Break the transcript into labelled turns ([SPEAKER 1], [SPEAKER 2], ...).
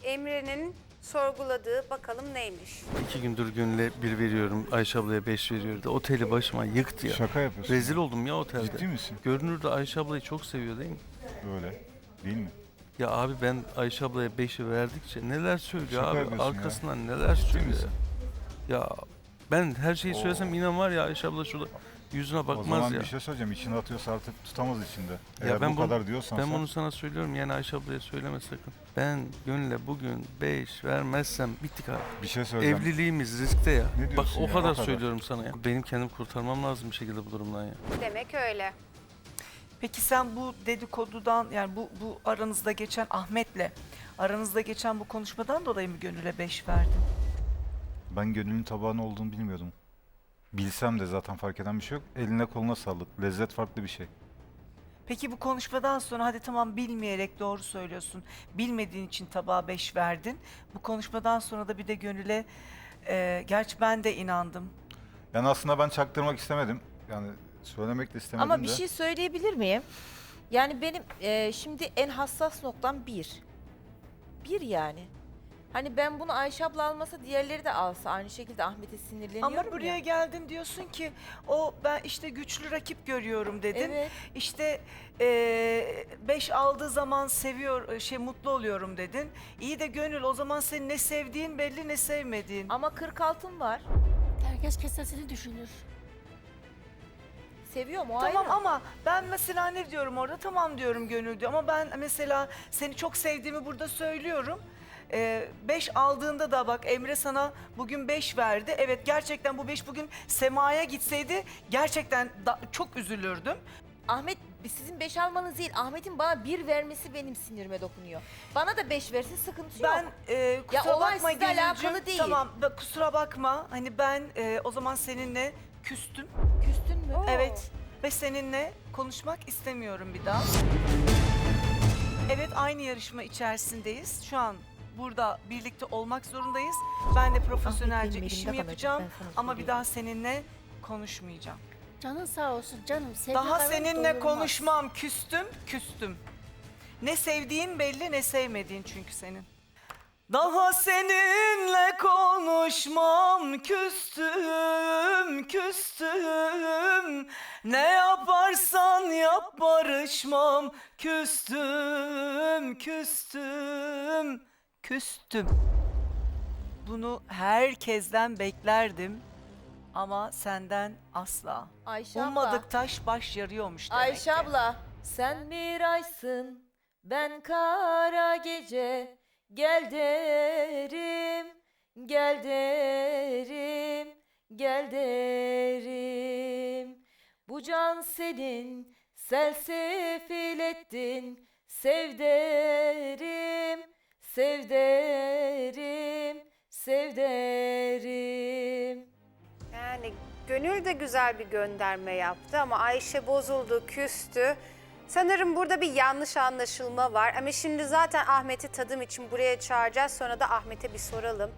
[SPEAKER 1] Emre'nin sorguladığı bakalım neymiş?
[SPEAKER 2] 2 gündür Gönül'e 1 veriyorum, Ayşe ablaya 5 veriyordu. Oteli başıma yıktı ya.
[SPEAKER 3] Şaka yapıyorsun.
[SPEAKER 2] Rezil oldum ya otelde.
[SPEAKER 3] Ciddi misin?
[SPEAKER 2] Görünürde Ayşe ablayı çok seviyor değil mi?
[SPEAKER 3] Böyle. Değil mi?
[SPEAKER 2] Ya abi ben Ayşe ablaya 5'i verdikçe neler söylüyor
[SPEAKER 3] Şaka
[SPEAKER 2] abi,
[SPEAKER 3] yapıyorsun ya.
[SPEAKER 2] arkasından neler söylüyor.
[SPEAKER 3] misin?
[SPEAKER 2] Ya ben her şeyi
[SPEAKER 3] Oo.
[SPEAKER 2] söylesem inan var ya Ayşe abla şurada yüzüne
[SPEAKER 3] O
[SPEAKER 2] bakmaz
[SPEAKER 3] zaman
[SPEAKER 2] ya.
[SPEAKER 3] bir şey söyleyeceğim. İçine atıyorsa artık tutamaz içinde.
[SPEAKER 2] Ya
[SPEAKER 3] Eğer
[SPEAKER 2] ben
[SPEAKER 3] bu
[SPEAKER 2] bunu,
[SPEAKER 3] kadar diyorsan
[SPEAKER 2] ben
[SPEAKER 3] sen...
[SPEAKER 2] bunu sana söylüyorum yani Ayşe ablaya söyleme sakın. Ben Gönül'e bugün 5 vermezsem bittik abi.
[SPEAKER 3] Bir şey söyleyeceğim.
[SPEAKER 2] Evliliğimiz riskte ya.
[SPEAKER 3] Ne
[SPEAKER 2] Bak
[SPEAKER 3] diyorsun
[SPEAKER 2] o
[SPEAKER 3] ya,
[SPEAKER 2] kadar
[SPEAKER 3] o kadar.
[SPEAKER 2] söylüyorum sana ya. Benim kendim kurtarmam lazım bir şekilde bu durumdan ya.
[SPEAKER 1] Demek öyle.
[SPEAKER 4] Peki sen bu dedikodudan yani bu aranızda geçen Ahmet'le aranızda geçen bu konuşmadan dolayı mı Gönül'e 5 verdin?
[SPEAKER 3] Ben Gönül'ün tabağının olduğunu bilmiyordum. Bilsem de zaten fark eden bir şey yok. Eline koluna sağlık. Lezzet farklı bir şey.
[SPEAKER 4] Peki bu konuşmadan sonra hadi tamam bilmeyerek doğru söylüyorsun. Bilmediğin için tabağa 5 verdin. Bu konuşmadan sonra da bir de Gönül'e gerçi ben de inandım.
[SPEAKER 3] Yani aslında ben çaktırmak istemedim. Yani söylemek de istemedim
[SPEAKER 5] Ama
[SPEAKER 3] de.
[SPEAKER 5] bir şey söyleyebilir miyim? Yani benim şimdi en hassas noktam bir. Bir yani. Hani ben bunu Ayşe abla almasa diğerleri de alsa aynı şekilde Ahmet'e sinirleniyorum
[SPEAKER 4] Ama buraya
[SPEAKER 5] ya.
[SPEAKER 4] geldin diyorsun ki o ben işte güçlü rakip görüyorum dedin.
[SPEAKER 5] Evet.
[SPEAKER 4] İşte 5 aldığı zaman mutlu oluyorum dedin. İyi de Gönül o zaman senin ne sevdiğin belli ne sevmediğin.
[SPEAKER 5] Ama 46'm var.
[SPEAKER 6] Herkes kesesini düşünür.
[SPEAKER 5] Seviyorum o
[SPEAKER 4] Tamam
[SPEAKER 5] ayrı.
[SPEAKER 4] ama ben mesela ne diyorum orada tamam diyorum Gönül diyor ama ben mesela seni çok sevdiğimi burada söylüyorum. 5 aldığında da bak Emre sana bugün 5 verdi. Evet gerçekten bu 5 bugün Sema'ya gitseydi gerçekten çok üzülürdüm.
[SPEAKER 5] Ahmet sizin 5 almanız değil. Ahmet'in bana 1 vermesi benim sinirime dokunuyor. Bana da 5 versin sıkıntı yok.
[SPEAKER 4] Ben kusura
[SPEAKER 5] olay
[SPEAKER 4] bakma
[SPEAKER 5] sizle
[SPEAKER 4] Gönülcüğüm.
[SPEAKER 5] alakalı değil.
[SPEAKER 4] Tamam kusura bakma hani ben o zaman seninle küstüm.
[SPEAKER 5] Küstün mü?
[SPEAKER 4] Evet ve seninle konuşmak istemiyorum bir daha. Evet aynı yarışma içerisindeyiz. Şu an burada birlikte olmak zorundayız. Ben de profesyonelce
[SPEAKER 5] benim
[SPEAKER 4] işimi
[SPEAKER 5] elimde
[SPEAKER 4] yapacağım
[SPEAKER 5] kalacak, ben sana
[SPEAKER 4] ama bir
[SPEAKER 5] söyleyeyim.
[SPEAKER 4] daha seninle konuşmayacağım.
[SPEAKER 6] Canın sağ olsun canım. Sevgi
[SPEAKER 4] Daha
[SPEAKER 6] kavram
[SPEAKER 4] seninle
[SPEAKER 6] doyulmaz.
[SPEAKER 4] konuşmam, küstüm. Ne sevdiğin belli ne sevmediğin çünkü senin. Daha seninle konuşmam, küstüm. Ne yaparsan yap barışmam, küstüm. Bunu herkesten beklerdim ama senden asla.
[SPEAKER 5] Ayşe abla.
[SPEAKER 4] Ummadık taş baş yarıyormuş demek
[SPEAKER 5] Ayşe
[SPEAKER 4] ki.
[SPEAKER 5] abla, sen bir aysın, ben kara gece. Gel derim, gel derim, gel derim. Bu can senin, selsefil ettin. Sev derim, sev derim, sev derim.
[SPEAKER 1] Yani Gönül de güzel bir gönderme yaptı ama Ayşe bozuldu, küstü. Sanırım burada bir yanlış anlaşılma var. Ama şimdi zaten Ahmet'i tadım için buraya çağıracağız. Sonra da Ahmet'e bir soralım.